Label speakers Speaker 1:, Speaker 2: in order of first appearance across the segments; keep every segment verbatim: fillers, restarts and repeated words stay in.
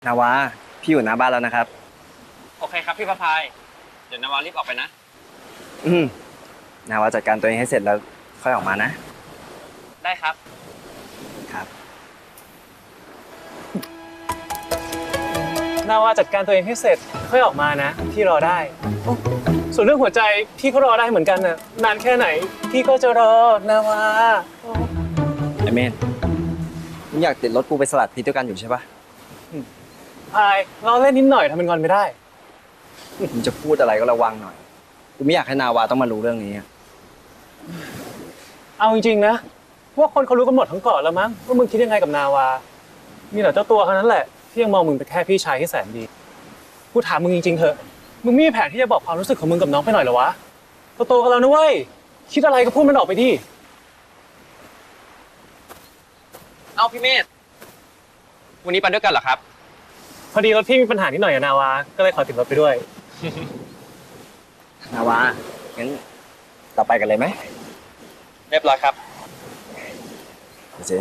Speaker 1: นาวาพี่อยู่หน้าบ้านแล้วนะครับ
Speaker 2: โอเคครับพี่พระพายเดี๋ยวนาวารีบออกไปนะ
Speaker 1: อืมนาวาจัดการตัวเองให้เสร็จแล้วค่อยออกมานะ
Speaker 2: ได้ครับ
Speaker 1: ครับ
Speaker 3: นาวาจัดการตัวเองให้เสร็จค่อยออกมานะพี่รอได้ส่วนเรื่องหัวใจพี่ก็รอได้เหมือนกันน่ะนานแค่ไหนพี่ก็จะรอนาวา
Speaker 1: ไอเมนมึงอยากติดรถกูไปสลัดพิษด้วยกันอยู่ใช่ปะ
Speaker 3: พายเราเล่นนิดหน่อยทำเป็นงอนไม่ได้
Speaker 1: มึงจะพูดอะไรก็ระวังหน่อยกูไม่อยากให้นาวาต้องมารู้เรื่องนี้
Speaker 3: เอาจริงๆนะพวกคนเขารู้กันหมดทั้งเกาะแล้วมั้งว่ามึงคิดยังไงกับนาวามีแต่เจ้าตัวเท่านั้นแหละที่ยังมองมึงเป็นแค่พี่ชายที่แสนดีกูถามมึงจริงๆเถอะมึงมีแผนที่จะบอกความรู้สึกของมึงกับน้องไปหน่อยเหรอวะโตๆกันแล้วนะเว้ยคิดอะไรก็พูดมันออกไปดิ
Speaker 2: เอาพี่เมธวันนี้ไปด้วยกันเหรอครับ
Speaker 3: พอดีรถพี่มีปัญหานิดหน่อยกับนาวาก็เลยขอติดรถไปด้วย
Speaker 1: นาวางั้นต่อไปกันเลยไหม
Speaker 2: เรียบร้อยครับ
Speaker 1: โอเค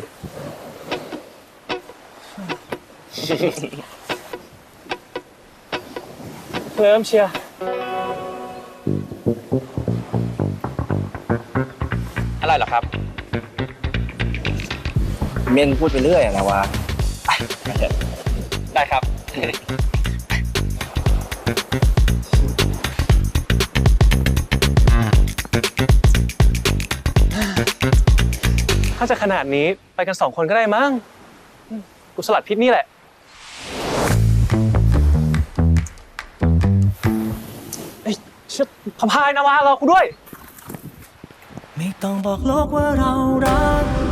Speaker 3: เริ่มเชียร์
Speaker 2: อะไรเหรอครับ
Speaker 1: เมนพูดไปเรื่อยอะนาวา
Speaker 2: ได้ครับ
Speaker 3: ถ้าจะขนาดนี้ไปกันสองคนก็ได้มั้งกูสลัดพิษนี่แหละเอ้ยเชิดพพายนาวารอกูด้วย
Speaker 4: ไม่ต้องบอกโลกว่าเรารัก